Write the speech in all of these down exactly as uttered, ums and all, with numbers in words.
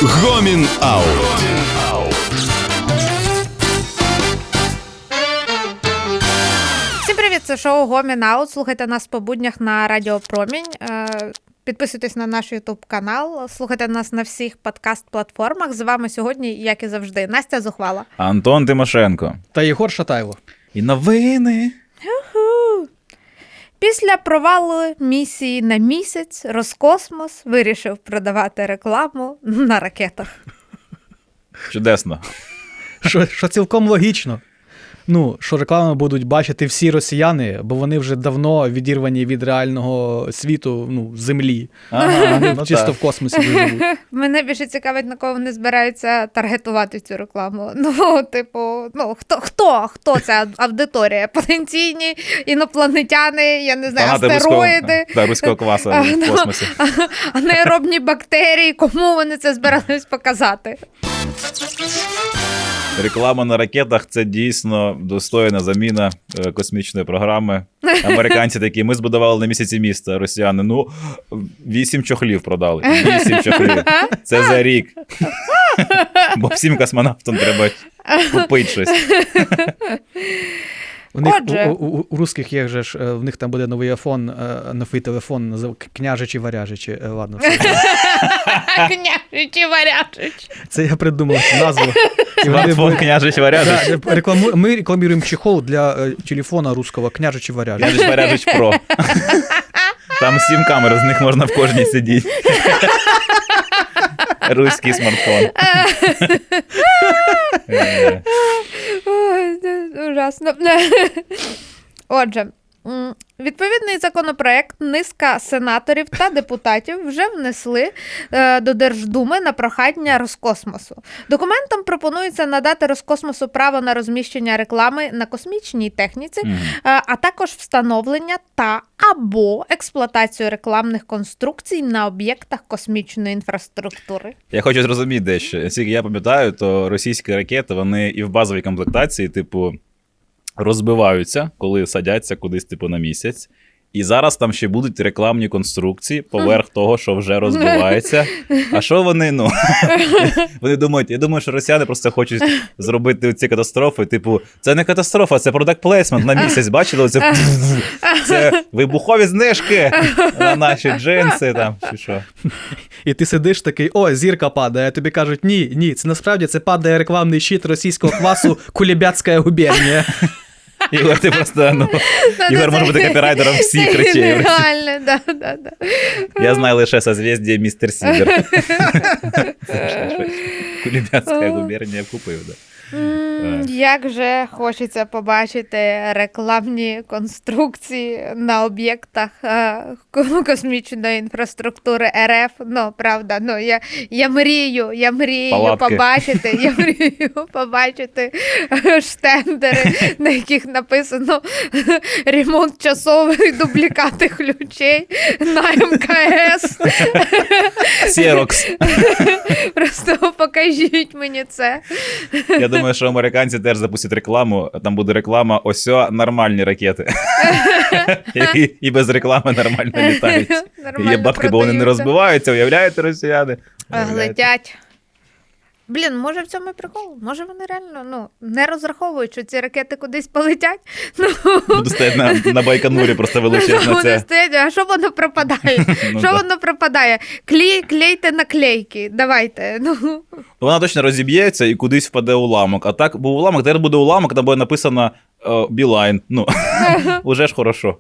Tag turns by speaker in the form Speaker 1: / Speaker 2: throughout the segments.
Speaker 1: Гомін Аут.
Speaker 2: Всім привіт, це шоу Гомін Аут. Слухайте нас по буднях на Радіо Промінь. Підписуйтесь на наш ютуб-канал, слухайте нас на всіх подкаст-платформах. З вами сьогодні, як і завжди, Настя Зухвала,
Speaker 3: Антон Тимошенко
Speaker 4: та Єгор Шатайло.
Speaker 3: І новини.
Speaker 2: Уху. Після провалу місії на місяць Роскосмос вирішив продавати рекламу на ракетах.
Speaker 3: Чудесно.
Speaker 4: Що, що цілком логічно. Ну, що рекламу будуть бачити всі росіяни, бо вони вже давно відірвані від реального світу, ну, землі.
Speaker 3: Ага,
Speaker 4: вони
Speaker 3: ну
Speaker 4: чисто
Speaker 3: так.
Speaker 4: в космосі живуть.
Speaker 2: Мене більше цікавить, на кого вони збираються таргетувати цю рекламу. Ну, типу, ну, хто, хто, хто ця аудиторія? Потенційні інопланетяни, я не знаю,
Speaker 3: Фанати
Speaker 2: астероїди,
Speaker 3: руського, та, руського квасу в космосі.
Speaker 2: анаеробні бактерії, кому вони це збирались показати?
Speaker 3: Реклама на ракетах – це дійсно достойна заміна е, космічної програми. Американці такі, ми збудували на місяці місто, росіяни, ну, вісім чохлів продали. Вісім чохлів. Це за рік. Бо всім космонавтам треба купити щось.
Speaker 4: У них,
Speaker 2: Отже.
Speaker 4: у, у, у русських є же ж, е, в них там буде новий айфон, е, новий телефон, назив княжичі варяжичі. Е, ладно, все.
Speaker 2: Княжичі варяжичі.
Speaker 4: Це я придумав цю назву. І вони
Speaker 3: Смартфон
Speaker 4: будуть-
Speaker 3: княжич варяжич.
Speaker 4: Да, рекламу... Ми рекламуємо чехол для е, телефона русского княжичі варяжичі.
Speaker 3: Княжич варяжич Про. Там сім камер, з них можна в кожній сидіти. Руський смартфон. Е,
Speaker 2: Ой, це ужасно. Отже, м, відповідний законопроект низка сенаторів та депутатів вже внесли е, до Держдуми на прохання Роскосмосу. Документом пропонується надати Роскосмосу право на розміщення реклами на космічній техніці,
Speaker 3: мгм.
Speaker 2: е, а також встановлення та або експлуатацію рекламних конструкцій на об'єктах космічної інфраструктури.
Speaker 3: Я хочу зрозуміти дещо. Наскільки я пам'ятаю, то російські ракети, вони і в базовій комплектації, типу, розбиваються, коли садяться кудись, типу, на місяць. І зараз там ще будуть рекламні конструкції поверх того, що вже розбивається. А що вони, ну, вони думають, я думаю, що росіяни просто хочуть зробити ці катастрофи, типу, це не катастрофа, це продакт плейсмент на місяць, бачили? Це, це вибухові знижки на наші джинси там, чи що.
Speaker 4: І ти сидиш такий, о, зірка падає, а тобі кажуть, ні, ні, це насправді це падає рекламний щит російського квасу Кулебятська губернія.
Speaker 3: Ігор, ти просто, ну, Ігор може бути копірайтером всіх речей.
Speaker 2: Реально, да, да, да.
Speaker 3: Я знаю лише созвездие містер Сігер. Кулебятська губернія купив, да.
Speaker 2: М, Як же хочеться побачити рекламні конструкції на об'єктах е, ко- космічної інфраструктури РФ. Ну, правда, ну, я, я мрію, я мрію
Speaker 3: Палатки.
Speaker 2: побачити, я мрію побачити е, штендери, на яких написано ремонт часових дублікати ключей на ем ка ес.
Speaker 3: Сєрокс.
Speaker 2: Просто покажіть мені це.
Speaker 3: Я думаю, що американці теж запустять рекламу, там буде реклама «Осьо нормальні ракети». І, і без реклами нормально літають.
Speaker 2: Нормально
Speaker 3: Є бабки, бо вони не
Speaker 2: продаються.
Speaker 3: розбиваються, уявляєте, росіяни?
Speaker 2: А,
Speaker 3: Уявляєте?
Speaker 2: летять. Блін, може в цьому і прикол? Може вони реально ну, не розраховують, що ці ракети кудись полетять? Ну,
Speaker 3: Буду стояти на, на Байконурі, просто величезно
Speaker 2: вони
Speaker 3: це.
Speaker 2: стоять, а що воно пропадає?
Speaker 3: Ну,
Speaker 2: Що
Speaker 3: да.
Speaker 2: воно пропадає? Клей, клейте наклейки, давайте. Ну,
Speaker 3: Вона точно розіб'ється і кудись впаде уламок. А так був уламок, тепер буде уламок, там буде написано е, Білайн. Ну, уже ж хорошо.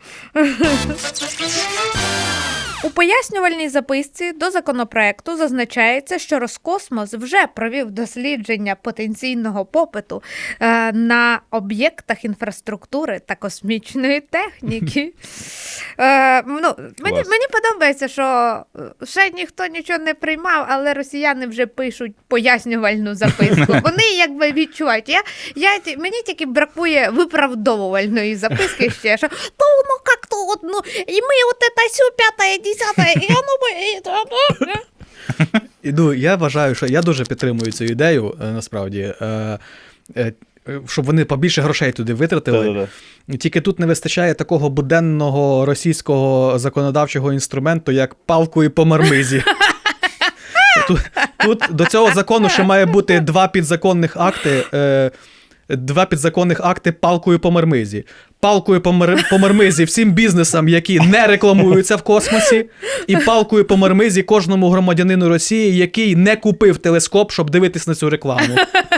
Speaker 2: у пояснювальній записці до законопроекту зазначається, що Роскосмос вже провів дослідження потенційного попиту е, на об'єктах інфраструктури та космічної техніки. Е, ну, мені,
Speaker 3: Клас.
Speaker 2: мені подобається, що ще ніхто нічого не приймав, але росіяни вже пишуть пояснювальну записку. Вони якби відчувають. Я, я, ті- мені тільки бракує виправдовувальної записки ще, що то ну як-то от, ну, і ми от це сю п'яте, десяте, і воно би...
Speaker 4: І, ну, я вважаю, що я дуже підтримую цю ідею, е, насправді, е, е, щоб вони побільше грошей туди витратили.
Speaker 3: Да-да-да.
Speaker 4: Тільки тут не вистачає такого буденного російського законодавчого інструменту, як палкою по мармизі. Тут, Тут до цього закону ще має бути два підзаконних акти. Е, Два підзаконних акти палкою по мармизі. Палкою по, мар... по мармизі всім бізнесам, які не рекламуються в космосі, і палкою по мармизі кожному громадянину Росії, який не купив телескоп, щоб дивитись на цю рекламу.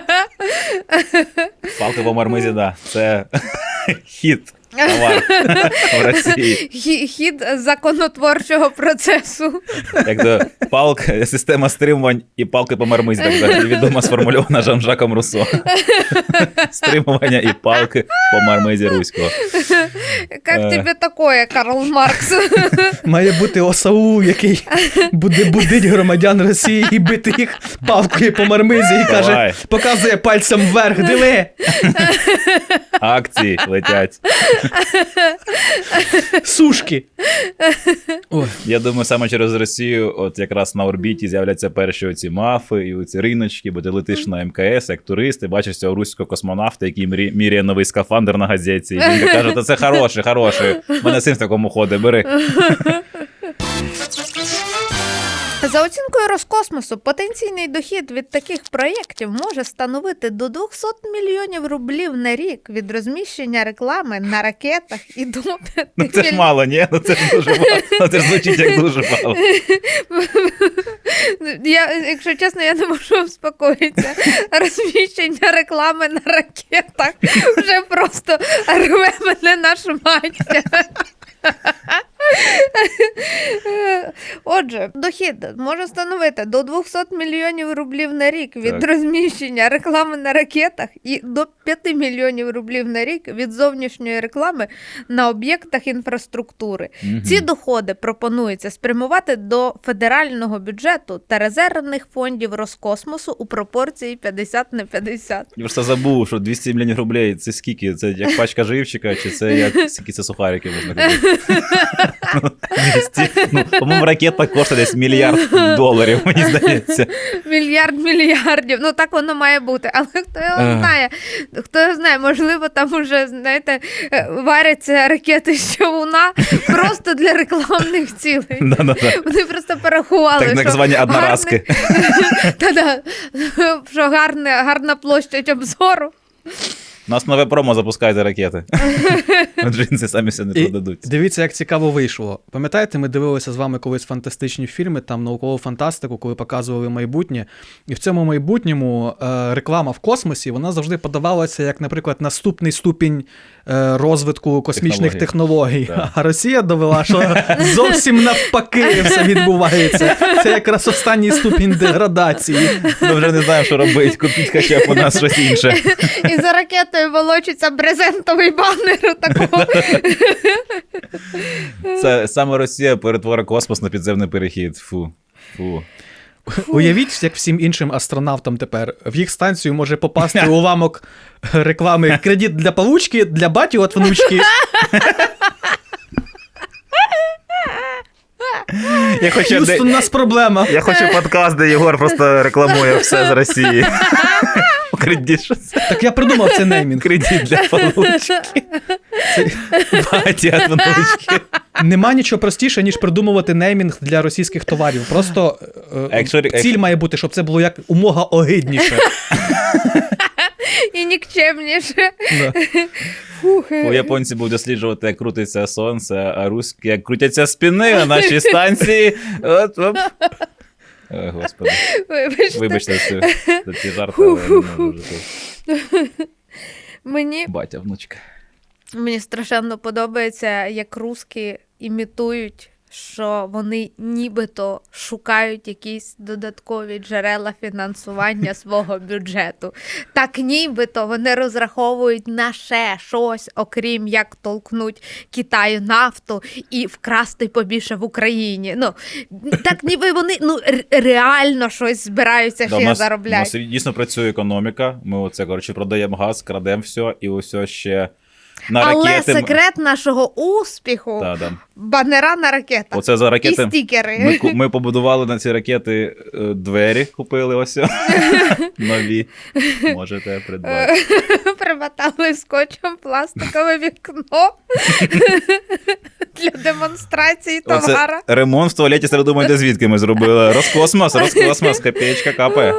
Speaker 3: Палка по мармизі, да. Це хід. Товар в Росії.
Speaker 2: Хі- Хід законотворчого процесу.
Speaker 3: Як то палка, система стримувань і палки по мармизі, так взагалі відомо сформульована Жан-Жаком Руссо. Стримування і палки по мармизі руського.
Speaker 2: Як тобі таке, Карл Маркс?
Speaker 4: Має бути ОСАУ, який буде будить громадян Росії і бити їх палкою по мармизі і каже,
Speaker 3: Давай.
Speaker 4: показує пальцем вверх, диви!
Speaker 3: Акції летять.
Speaker 4: Сушки! Ой.
Speaker 3: Я думаю, саме через Росію, от якраз на орбіті з'являться перші оці мафи і оці риночки, бо ти летиш на МКС, як турист, і бачиш цього руського космонавта, який мрі- міряє новий скафандр на газеті. І він каже, та це хороший, хороший. У мене син в такому ходить, бери.
Speaker 2: За оцінкою Роскосмосу, потенційний дохід від таких проєктів може становити до двісті мільйонів рублів на рік від розміщення реклами на ракетах і до п'яти
Speaker 3: Ну це ж мало, ні? Ну це ж дуже мало. Ну, це ж звучить як дуже мало.
Speaker 2: Я, якщо чесно, я не можу успокоїтися. Розміщення реклами на ракетах вже просто рве мене на шмаття. Отже, дохід може становити до двісті мільйонів рублів на рік від
Speaker 3: Так.
Speaker 2: розміщення реклами на ракетах і до п'яти мільйонів рублів на рік від зовнішньої реклами на об'єктах інфраструктури.
Speaker 3: Мгм.
Speaker 2: Ці доходи пропонується спрямувати до федерального бюджету та резервних фондів Роскосмосу у пропорції п'ятдесят на п'ятдесят.
Speaker 3: Я просто забув, що двісті мільйонів рублей, це скільки? Це як пачка живчика, чи це як скільки це сухарики можна купити? двісті. Ну, по-моєму, ракета коштує десь мільярд доларів, мені здається.
Speaker 2: Мільярд мільярдів. Ну так воно має бути. Але хто його
Speaker 3: Ага.
Speaker 2: знає? Хто його знає, можливо, там уже, знаєте, е, варяться ракети з човуна просто для рекламних цілей.
Speaker 3: Да-да-да.
Speaker 2: Вони просто порахували,
Speaker 3: Так, так
Speaker 2: що
Speaker 3: звані одноразки.
Speaker 2: гарний- Та-да. Що гарне, гарна площадь обзору.
Speaker 3: У нас нове промо, запускайте ракети. Джинси самі все не
Speaker 4: І
Speaker 3: продадуть.
Speaker 4: дивіться, як цікаво вийшло. Пам'ятаєте, ми дивилися з вами колись фантастичні фільми, там наукову фантастику, коли показували майбутнє. І в цьому майбутньому е, реклама в космосі, вона завжди подавалася як, наприклад, наступний ступінь е, розвитку космічних технологій.
Speaker 3: Так.
Speaker 4: А Росія довела, що зовсім навпаки все відбувається. Це якраз останній ступінь деградації.
Speaker 3: Ми вже не знаємо, що робити. Купіть хоча б у нас щось інше.
Speaker 2: І за ракетою волочиться брезентовий банер такого.
Speaker 3: Це саме Росія перетворить космос на підземний перехід. Фу. Фу.
Speaker 4: Уявіть, як всім іншим астронавтам тепер. В їх станцію може попасти уламок реклами «Кредит для получки, для баті от внучки».
Speaker 3: Я хочу,
Speaker 4: Х'юстон, у нас проблема.
Speaker 3: я хочу подкаст, де Єгор просто рекламує все з Росії. Кредит, що це?
Speaker 4: Так я придумав цей неймінг.
Speaker 3: Кредит для получки. Батя от внучки.
Speaker 4: Нема нічого простіше, ніж придумувати неймінг для російських товарів. Просто е,
Speaker 3: А якщо-
Speaker 4: ціль
Speaker 3: якщо-
Speaker 4: має бути, щоб це було як умога огидніше.
Speaker 2: І нікчемніше.
Speaker 4: Да.
Speaker 2: Фух.
Speaker 3: У японці будуть досліджувати, як крутиться сонце, а руські, як крутяться спини на нашій станції. От, оп. Ой, господи.
Speaker 2: Вибачте.
Speaker 3: Вибачте це, за ці жарти, але я не можу вже тут.
Speaker 2: Мені,
Speaker 3: Батя, внучка.
Speaker 2: мені страшенно подобається, як русські імітують, що вони нібито шукають якісь додаткові джерела фінансування свого бюджету. Так нібито вони розраховують на ще щось, окрім як толкнуть Китаю нафту і вкрасти побільше в Україні. Ну, так ніби вони ну, р- реально щось збираються
Speaker 3: Да, у
Speaker 2: ще
Speaker 3: нас, у
Speaker 2: заробляти.
Speaker 3: нас дійсно працює економіка. Ми оце, коротше, продаємо газ, крадемо все, і ось ще на
Speaker 2: Але
Speaker 3: ракети.
Speaker 2: секрет нашого успіху
Speaker 3: Та, да.
Speaker 2: банера на ракетах.
Speaker 3: Оце за ракети.
Speaker 2: І стікери.
Speaker 3: Ми, ку- ми побудували на ці ракети е, двері, купили ось нові. Можете придбати.
Speaker 2: Примотали скотчем пластикове вікно для демонстрації товара.
Speaker 3: Оце ремонт в туалеті, ви думаєте, звідки ми зробили? Роскосмос, Роскосмос, копеечка капає.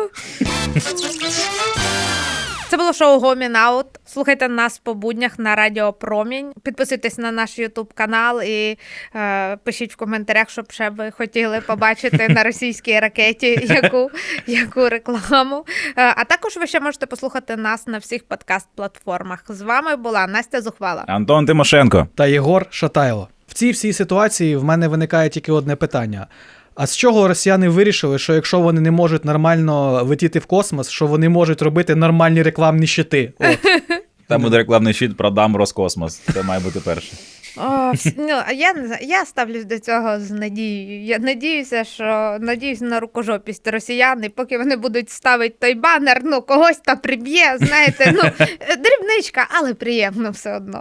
Speaker 2: Це було шоу Гомін Аут. Слухайте нас по буднях на Радіо Промінь. Підписуйтесь на наш Ютуб канал і е, пишіть в коментарях, щоб ще ви хотіли побачити на російській ракеті яку, яку рекламу. Е, а також ви ще можете послухати нас на всіх подкаст-платформах. З вами була Настя Зухвала.
Speaker 3: Антон Тимошенко.
Speaker 4: Та Єгор Шатайло. В цій всій ситуації в мене виникає тільки одне питання. А з чого росіяни вирішили, що якщо вони не можуть нормально летіти в космос, що вони можуть робити нормальні рекламні щити? От.
Speaker 3: Там буде рекламний щит «Продам Роскосмос». Це має бути перше.
Speaker 2: О, вс- ну, а я не знаю, я ставлюсь до цього з надією. Я надіюся, що надіюсь на рукожопість росіян, і поки вони будуть ставити той банер, ну когось та приб'є, знаєте, ну дрібничка, але приємно все одно.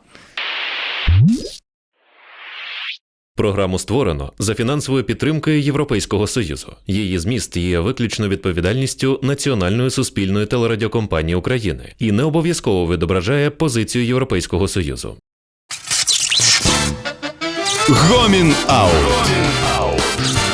Speaker 5: Програму створено за фінансовою підтримкою Європейського Союзу. Її зміст є виключно відповідальністю Національної суспільної телерадіокомпанії України і не обов'язково відображає позицію Європейського Союзу.
Speaker 1: Гомін Аут.